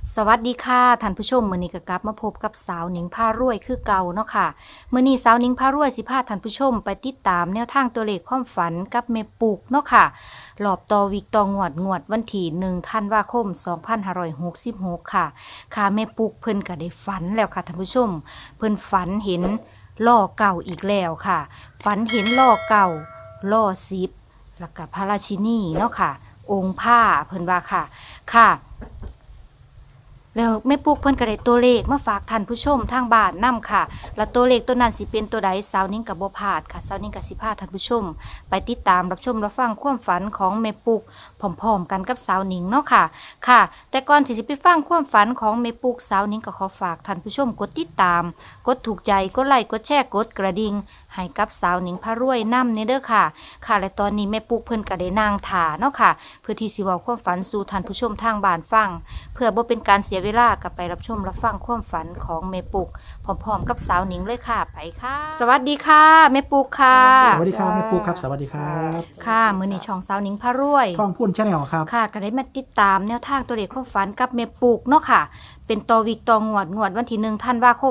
สวัสดีค่ะท่านผู้ชมมื้อนี้ก็กลับมาพบกับสาวหนิงพารวยคือเก่าเนาะค่ะมื้อนี้สาวหนิงพารวยสิพาท่านผู้ชมไปติดตามแนวทางตัวเลขความฝันกับแม่ปุกเนาะค่ะรอบต่อวิกต่องวดวันที่1ธันวาคม2566ค่ะค่ะแม่ปุกเพิ่นก็ได้ฝันแล้วค่ะท่านผู้ชมเพิ่นฝันเห็นล่อเก่าอีกแล้วค่ะฝันเห็นล่อเก่าล่อ10แล้วก็พระราชินีเนาะค่ะองค์ผ้าเพิ่นว่าค่ะ แล้วแม่ปุ๊กเพิ่นก็ได้ตัวเลขมาฝากท่านผู้ชมทางบ้านนํค่ะแล้วตัวเลขตัวนั้นสิเป็นตัวใดสาวนิ้งกับบ่พลาดค่ะสาวนิ้งกับสิพาท่านผู้ชมไปติดตามรับชมรับฟังความฝันของแม่ปุ๊กพร้อมๆกันกับสาวนิ้งเนาะค่ะ แต่ก่อนที่จะไปฟังความฝันของแม่ปุ๊กสาวนิ้งก็ขอฝากท่านผู้ชมกดติดตามกดถูกใจกดไลค์กดแชร์กดกระดิ่งให้กับสาวนิ้งพารวยนำเด้อค่ะและตอนนี้แม่ปุ๊กเพิ่นก็ได้นางถ่าเนาะค่ะเพื่อที่สิเว้าความฝันสู่ท่านผู้ชมทางบ้านฟังเพื่อบ่เป็นการเสียเวลากับไปรับชมรับฟังความฝันของแม่ปุกพร้อมๆกับสาวหนิงเลยค่ะไปค่ะ สวัสดีค่ะแม่ปุกค่ะสวัสดีครับแม่ปูครับสวัสดีครับค่ะมื้อนี้ช่องสาวหนิงพารวยท่องพูนชาแนลครับค่ะก็ได้มาติดตามแนวทางตัวเลขความฝันกับแม่ปุกเนาะค่ะเป็นต่อวิกต่องวดวันที่1ธันวาคม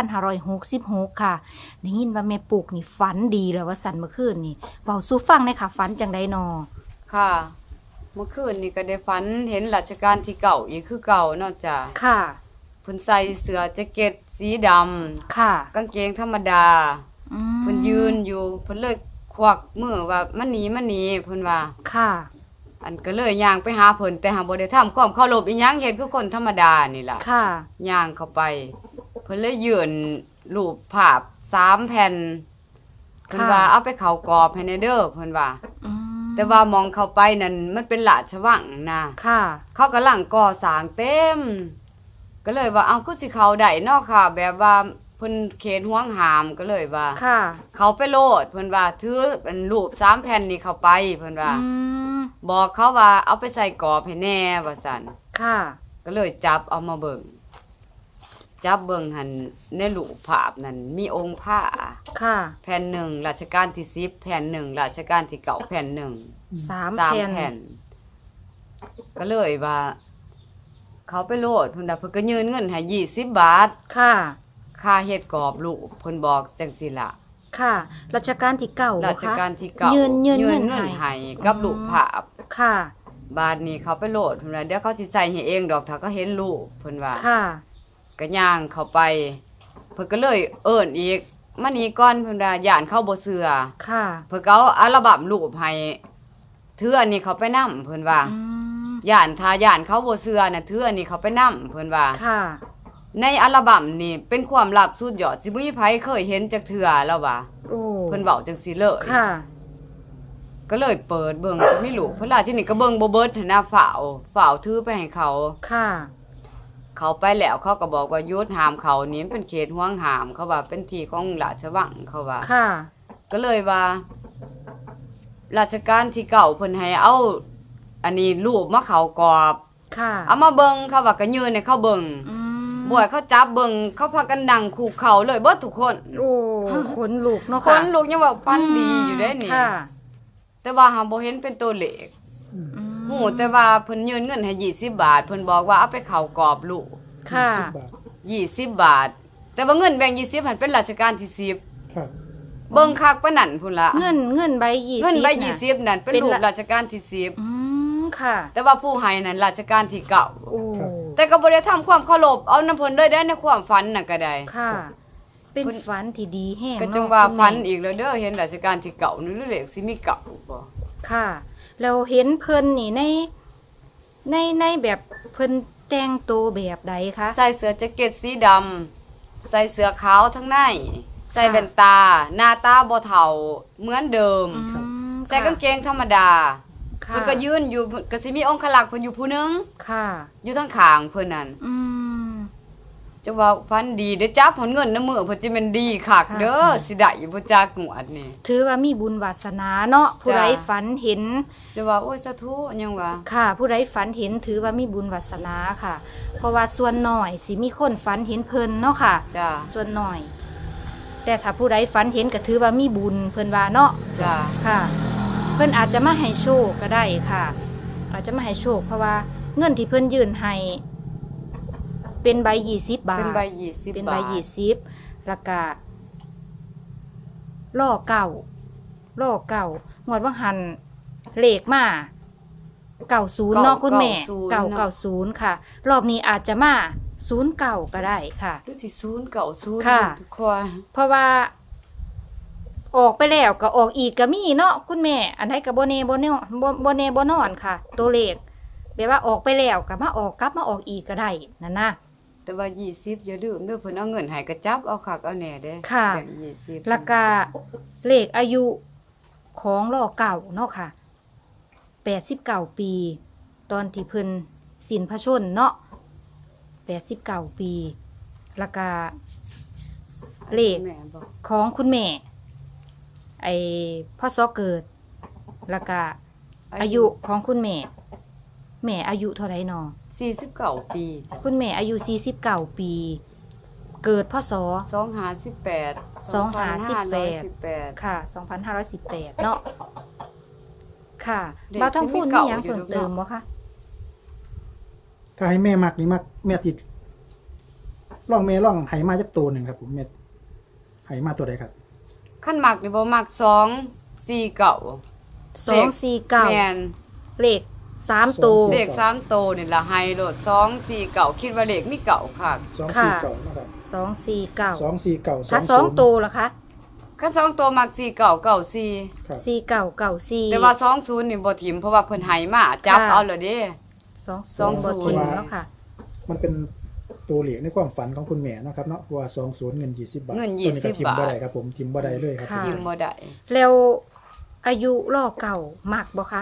2566ค่ะได้ยินว่าแม่ปุกนี่ฝันดีแล้วว่าสั่นเมื่อคืนนี่เว้าสู่ฟังเลยค่ะฝันจังไดนอค่ะ เมื่อคืนนี่ก็ได้ฝันเห็นรัชกาลที่เก่าอีกคือเก่าเนาะจ้ะค่ะเพิ่นใส่เสื้อแจ็คเก็ตสีดำค่ะกางเกงธรรมดาเพิ่นยืนอยู่เพิ่นเลยควักมือว่ามันหนีเพิ่นว่าค่ะอันก็เลยย่างไปหาเพิ่นแต่หาบ่ได้ทำความเคารพอีหยังเฮ็ดคือคนธรรมดานี่ล่ะค่ะย่างเข้าไป เพิ่นเลยยื่นรูปภาพ3แผ่นเพิ่นว่าเอาไปเข้ากรอบให้แน่เด้อเพิ่นว่าอืมแต่ว่ามองเข้าไปนั่นมันเป็นราชวังนะค่ะเขากำลังก่อสร้างเต็ม ก็เลยว่าเอาคือสิเขาได้เนาะค่ะ แบบว่าเพิ่นเขตห่วงหามก็เลยว่าค่ะเขาไปโลดเพิ่นว่าถือเป็นรูป3แผ่นนี้เข้าไปเพิ่นว่าอืมบอกเขาว่าเอาไปใส่กรอบให้แน่ว่าซั่นค่ะก็เลยจับเอามาเบิ่งจับเบิ่งหั่นในรูปภาพนั่นมีองค์พระค่ะแผ่นหนึ่งรัชกาลที่10แผ่นหนึ่งรัชกาลที่9แผ่นหนึ่งสาม 3 แผ่นแผ่นก็เลยว่า เขาไปโลดเพิ่นน่ะเพิ่นก็ยืนเงินให้20 บาทค่ะค่าเฮ็ดกรอบลูกเพิ่นบอกจังซี่ล่ะค่ะ รัชกาลที่เก้าราชการที่เก่ายืยืนเงินให้ให้กับลูกภาพค่ะบาดนี้เขาไปโลดเพิ่นว่าเดี๋ยวเขาสิใส่ให้เองดอกถ้าเขาเห็นลูกเพิ่นว่าค่ะก็ย่างเข้าไป เพิ่นก็เลยเอิ้นอีกมานี่ก่อนเพิ่นว่าย่านเขาบ่เชื่อค่ะเพิ่นก็เอาอัลบั้มรูปให้ถืออันนี้เขาไปนำเพิ่นว่าอืมย่านเขาบ่เชื่อน่ะถืออันนี้เขาไปนำเพิ่นว่าค่ะในอัลบั้มนี่เป็นความลับสุดยอดสิบ่มีไผเคยเห็นจักเทื่อแล้วว่าโอ้เพิ่นเว้าจังซี่เลยค่ะก็เลยเปิดเบิ่งก็มีลูกเพิ่นล่ะที่นี่ก็เบิ่งบ่เบิดหั้นนะฝ่าวถือไปให้เขาค่ะเขาไปแล้วเขาก็บอกว่าหยุดห้ามเขานี่มันเป็นเขตห่วงห้ามเขาว่าเป็นที่ของราชวังเขาว่าค่ะก็เลยว่า ราชการที่เก่าเพิ่นให้เอาอันนี้รูปมาเขากรอบค่ะเอามาเบิ่งเขาว่าก็ยืนให้เขาเบิ่งอืมบ่ให้เขาจับเบิ่งเขาพากันนั่งคู่เขาเลยเบิดทุกคนโอ้ขนลุกเนาะคค่ะนลูกยังว่าฟันดีอยู่ได้นี่ค่ะแต่ว่าหาบ่เห็นเป็นตัวเลขอืมฮู้แต่ว่าเพิ่นยืนเงินให้20 บาทเพิ่นบอกว่าเอาไปเข้ากรอบลูกค่ะ 10 บาท 20 บาท แต่ว่าเงินแบ่ง20หันเป็นราชการที่10 ครับเบิ่งคักปานนั้นพุ่นละเงินใบ20 เงินใบน่ะ 20นั่นเป็นเป็นรูปละราชการที่อืมค่ะ 10แต่ว่าผู้ให้นั่นราชการที่เก่าโอ้แต่ก็บ่ได้ทำความเคารพเอาน้ำเพิ่นเลยได้ในความฝันน่ะก็ได้ค่ะ เป็นฝันที่ดีแห้งก็จังเนาะว่าคุณแม่ฝันอีกแล้วเด้อเห็นราชการที่เก่านี่หรือเลขสิมีเก่าบ่ค่ะ เราเห็นเพิ่นนี่ในแบบเพิ่นแต่งตัวแบบใดคะใส่เสื้อแจ็คเก็ตสีดำใส่เสื้อขาวทั้งในใส่แว่นตา หน้าตาบ่เฒ่าเหมือนเดิมอืมใส่กางเกงธรรมดาค่ะเพิ่นก็ยืนอยู่ก็สิมีองคลักษ์เพิ่นอยู่ผู้หนึงค่ะอยู่ทางข้างเพิ่นนั่นอืมจะว่าฟันดีเด้อจับผลเงินน้ำมือเพิ่นสิแม่นดีคักค่ะเด้อสิได้อยู่บ่จักงวดนี่ถือว่ามีบุญวาสนาเนาะผู้ใดจ้ะฝันเห็นจะว่าโอ้ยสาธุยังว่าค่ะ ผู้ใดฝันเห็นถือว่ามีบุญวาสนาค่ะ เพราะว่าส่วนน้อยสิมีคนฝันเห็นเพิ่นเนาะค่ะจ้าส่วนน้อย แต่ถ้าผู้ใดฝันเห็นก็ถือว่ามีบุญเพิ่นว่าเนาะจ้าค่ะ เพิ่นอาจจะมาให้โชคก็ได้ค่ะ อาจจะมาให้โชคเพราะว่าเงินที่เพิ่นยื่นให้เป็นใบ20 บาทเป็นใบ20 เป็นบาใบท 20แล้วก็ล่อเก่างวดว่าหันเลขมา90เนาะคุณแม่990ค่ะ รอบนี้อาจจะมา09ก็ได้ค่ะหรือสิ090 ค่ะทุกคนเพราะว่าออกไปแล้วก็ออกอีกก็มีเนาะคุณแม่ อันไหนก็บ่แน่บ่นอนค่ะ ตัวเลขแปลว่าออกไปแล้วก็มาออกกลับมาออกอีกก็ได้นั่นนะแต่ว่า20อย่าลืมเด้อเพิ่นเอาเงินให้ก็จับเอาคักเอาแหน่เด้ค่ะแบ่ง20 แล้วก็เลขอายุของล่อเก่าเนาะค่ะ89 ปี ตอนที่เพิ่นสิ้นพระชนม์เนาะ89 ปี แล้วก็เลขแม่บอกของคุณแม่ไอ้พ่อซอเกิด แล้วก็อายุของคุณแม่ แม่อายุเท่าไหร่นอ 49 ปีจ้ะคุณแม่อายุ49 ปี เกิดพศ 258 2518 ค่ะ 2518 เนาะค่ะเด็กบ่าวต้องพูดสิมีมีเก่าหยังอยู่เพิ่มเติมบ่คะถ้าให้แม่มักนี่มักแม่ติดล่องแม่ล่องไหมาจักตัวหนึ่งครับผมแม่ไหมาตัวใดครับขั้นมักนี่บ่มัก249 249 แม่นเลข3ตัวเลข3โตวนี่ล่ะไฮโลด249คิดว่าเลขมีเก่าค่ะ 249นะครับ 249 249 ถ้า2ตัวล่ะคะคัน2โตวมัก4994 ครับ 4994 แต่ว่า20นี่บ่ถิ่มเพราะว่าเพิ่นให้มาจับค่ะเอาแล้วเด้ 20บ่ทิ้งเนาะค่ะมันเป็นตัวเหลียในความฝันของคุณแม่เนาะครับเนาะว่า20เงิน20 บาทเงินตัวนี้ก็ 20 ทิมบ่ได้ครับผมทิมบ่ได้เลยครับค่ะถิ่มบ่ได้แล้วอายุล่อเก่ามักบ่คะ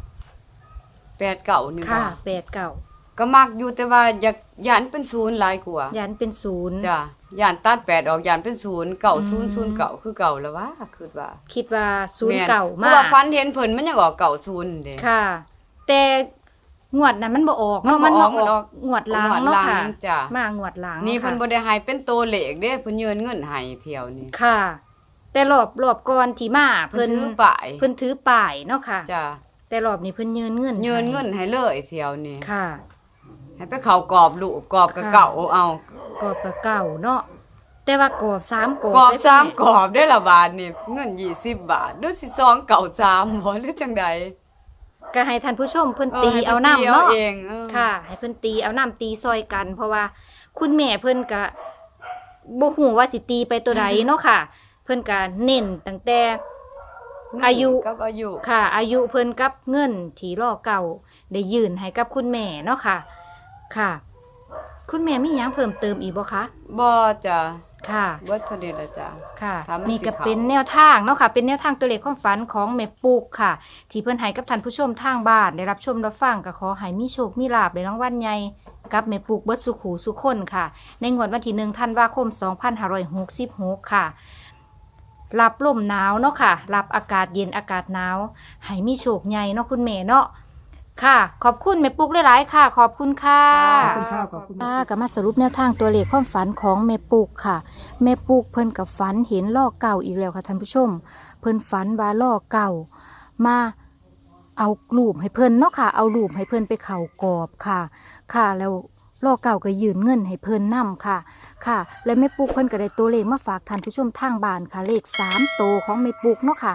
89นี่ค่ะบ่ 89 ก็มักอยู่แต่ว่าอยากย่านเป็น0หลายกว่ายันเป็น0 จ้ะย่านตัด8ออกย่านเป็น0 9009คือเก่าแล้วว่าคือว่าคิดว่าแม่น 0เก่าเพมาราะว่าฟันเห็นเพิ่นมันยังออก90เด้ค่ะ แต่งวดนั้นมันบ่ออกมันเนาะบ่มันอมาอกมันออออกกงวดหล้างเนาะค่ะงวดหลังจ้ะมางวดหล้างนี่เพิ่นค่ะบ่ได้ให้เป็นตัวเลขเด้เพิ่นยืนเงินให้เที่ยวนี่ค่ะ แต่รอบก่อนที่มาเพิ่เพิ่นนถือป้ายเพิ่นถือป้ายเนาะค่ะจ้ะแต่รอบนี้เพิ่นยืนเงินยืนเงินให้เลยเที่ยวนี่ค่ะให้ไปเข้ากรอบลูกกรอบกับค่ะเก่าเอากรอบกับเก่าเนาะแต่ว่ากรอบ3กรอบกรอบได้สามแม่กรอบได้ละบาทนี่เงิน20 บาทดูสิซองเก่า3บ่หรือจังใดก็ให้ท่านผู้ชมเพิ่นให้ตีพิ่เอาน้ำตีเนาะเองเออค่ะ ให้เพิ่นตีเอาน้ำตีซอยกัน เพราะว่าคุณแม่เพิ่นก็บ่ฮู้ว่าสิตีไปตัวใดเนาะค่ะ เพิ่นก็เน้นตั้งแต่อายุกับอายุค่ะ อายุเพิ่นกับเงินที่รอเก่าได้ยื่นให้กับคุณแม่เนาะค่ะ ค่ะ คุณแม่มีหยังเพิ่มเติมอีกบ่คะบ่จ้ะค่ะเบิดเท่านี้ละจ้ะค่ะถ้ามันนี่ก็สิเข้าเป็นแนวทางเนาะค่ะ เป็นแนวทางตัวเลขความฝันของแม่ปุกค่ะ ที่เพิ่นให้กับท่านผู้ชมทางบ้านได้รับชมรับฟังก็ขอให้มีโชคมีลาภในรางวัลใหญ่กับแม่ปุกเบิดสุขหูสุขคนค่ะ ในงวดวันที่1ธันวาคม 2566 ค่ะ รับลมหนาวเนาะค่ะ รับอากาศเย็นอากาศหนาวให้มีโชคใหญ่เนาะคุณแม่เนาะค่ะ ขอบคุณแม่ปุกหลายๆค่ะ ขอบคุณค่ะขอบคุณครับขอบคุณก็มาสรุปแนวทางตัวเลขความฝันของแม่ปุกค่ะแม่ปุกเพิ่นกับฝันเห็นล่อเก่าอีกแล้วค่ะท่านผู้ชม เพิ่นฝันว่าล่อเก่ามาเอารูปให้เพิ่นเนาะค่ะ เอารูปให้เพิ่นไปเข่ากรอบค่ะ ค่ะแล้วล่อเก่าก็ยืนเงินให้เพิ่นนํค่ะ ค่ะ และแม่ปุกเพิ่นก็ได้ตัวเลขมาฝากท่านผู้ชมทางบ้านค่ะ เลข3โตวของแม่ปุกเนาะค่ะ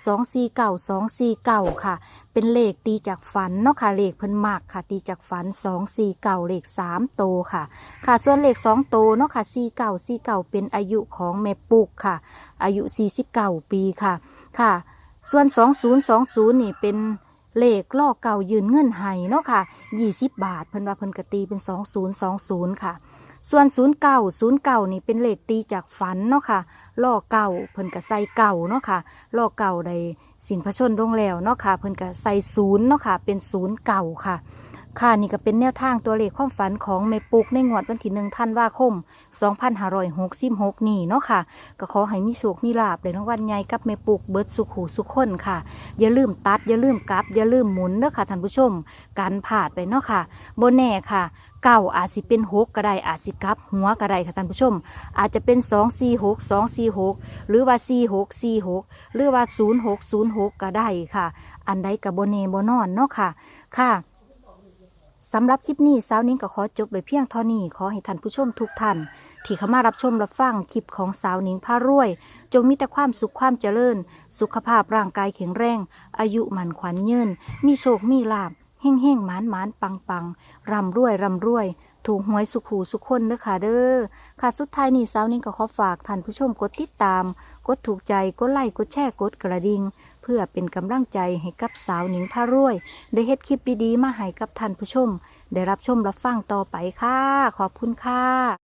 249ค่ะ เป็นเลขตีจากฝันเนาะค่ะเลขเพิ่นมักค่ะ ตีจากฝัน249เลข3โตวค่ะ ค่ะส่วนเลข2โตวเนาะค่ะ49เป็นอายุของแม่ปุกค่ะ อายุ49ปีค่ะ ค่ะ ส่วน2020นี่เป็นเลขล่อเก่ายืนเงินให้เนาะค่ะ20 บาทเพิ่นว่าเพิ่นกตีเป็น2020ค่ะ ส่วน09นี่เป็นเลขตีจากฝันเนาะค่ะล่อเก่าเพิ่นก็ใส่เก่าเนาะค่ะล่อเก่าได้สินพระชนม์ลงแล้วเนาะค่ะเพิ่นก็ใส่0เนาะค่ะเป็น0เก่าค่ะ ค่ะนี่ก็เป็นแนวทางตัวเลขความฝันของแม่ปุกในงวดวันที่1ธันวาคม 2566 นี่เนาะค่ะก็ขอให้มีโชคมีลาภในรางวัลใหญ่กับแม่ปุกเบิดสุขหูสุขคนค่ะ อย่าลืมตัดอย่าลืมกลับอย่าลืมหมุนเด้อค่ะท่านผู้ชมการผ่าดไปเนาะค่ะบ่แน่ค่ะเก่าอาจสิเป็น6ก็ได้อาจสิกลับหัวก็ได้ค่ะท่านผู้ชม อาจจะเป็น246หรือว่า46หรือว่า06ก็ได้ค่ะ อันใดก็บ่แน่บ่นอนเนาะค่ะค่ะสำหรับคลิปนี้สาวนิ้งก็ขอจบไปเพียงเท่านี้ขอให้ท่านผู้ชมทุกท่านที่เข้ามารับชมรับฟังคลิปของสาวนิ้งพารวย จงมีแต่ความสุขความเจริญสุขภาพร่างกายแข็งแรงอายุมั่นขวัญยืนมีโชคมีลาภเฮ่งเฮ่งหมานหมานปังปังร่ำรวยร่ำรวยถูกหวยสุขหูสุขคนเด้อค่ะเด้อค่ะสุดท้ายนี้สาวนิ้งก็ขอฝากท่านผู้ชมกดติดตามกดถูกใจกดไลค์กดแชร์กดกระดิ่งเพื่อเป็นกำลังใจให้กับสาวนิ้งพารวยได้เฮ็ดคลิปดีๆมาให้กับท่านผู้ชมได้รับชมรับฟังต่อไปค่ะขอบคุณค่ะ